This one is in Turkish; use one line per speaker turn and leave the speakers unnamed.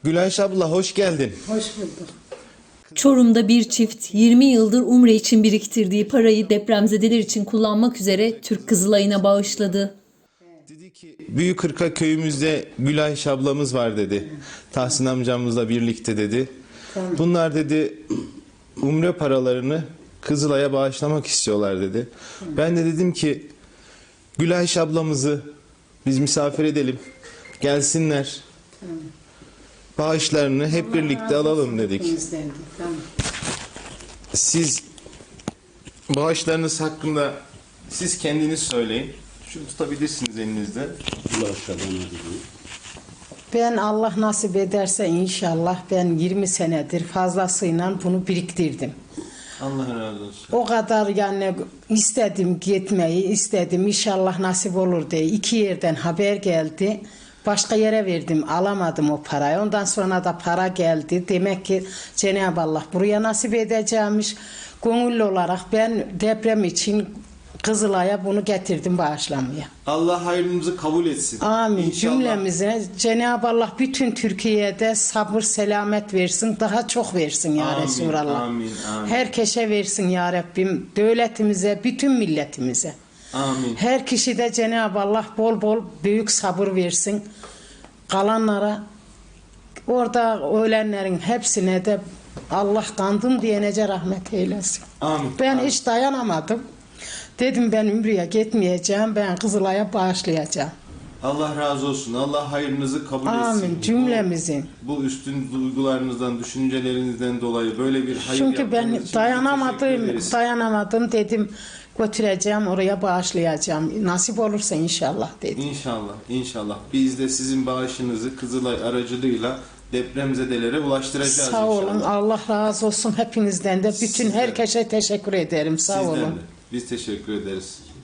Gülayş abla hoş geldin.
Hoş bulduk.
Çorum'da bir çift 20 yıldır Umre için biriktirdiği parayı depremzedeler için kullanmak üzere Türk Kızılay'ına bağışladı.
Dedi ki Büyük Kırka köyümüzde Gülayş ablamız var dedi. Tahsin amcamızla birlikte dedi. Bunlar dedi Umre paralarını Kızılay'a bağışlamak istiyorlar dedi. Ben de dedim ki Gülayş ablamızı biz misafir edelim. Gelsinler. Bağışlarını hep birlikte alalım dedik.
Tamam.
Siz bağışlarınız hakkında siz kendiniz söyleyin. Şunu tutabilirsiniz elinizde.
Ben Allah nasip ederse inşallah ben 20 senedir fazlasıyla bunu biriktirdim.
Allah razı olsun.
O kadar yani istedim gitmeyi istedim inşallah nasip olur diye 2 yerden haber geldi. Başka yere verdim alamadım o parayı. Ondan sonra da para geldi. Demek ki Cenab-ı Allah buraya nasip edeceğimiş. Gönüllü olarak ben deprem için Kızılay'a bunu getirdim bağışlamaya.
Allah hayrınızı kabul etsin.
Amin.
İnşallah.
Cümlemize Cenab-ı Allah bütün Türkiye'de sabır selamet versin. Daha çok versin ya
Amin,
Resulallah.
amin, amin.
Herkese versin ya Rabbim. Devletimize, bütün milletimize.
Amin.
Her kişi de Cenab-ı Allah bol bol büyük sabır versin. Kalanlara orada ölenlerin hepsine de Allah kandım diyenece rahmet eylesin.
Amin.
Ben
amin.
hiç dayanamadım. Dedim ben Ümre'ye gitmeyeceğim. Ben Kızılay'a bağışlayacağım.
Allah razı olsun. Allah hayrınızı kabul etsin.
Amin. Cümlemizin.
Bu üstün duygularınızdan, düşüncelerinizden dolayı böyle bir hayır
Çünkü ben
yaptığınız için teşekkür ederiz.
dayanamadım dedim götüreceğim oraya bağışlayacağım. Nasip olursa inşallah dedim.
İnşallah, inşallah. Biz de sizin bağışınızı Kızılay aracılığıyla depremzedelere ulaştıracağız
Sağ
inşallah.
olun. Allah razı olsun hepinizden de. Bütün
Sizden.
herkese teşekkür ederim. Sağ
Sizden
olun.
de. Biz teşekkür ederiz.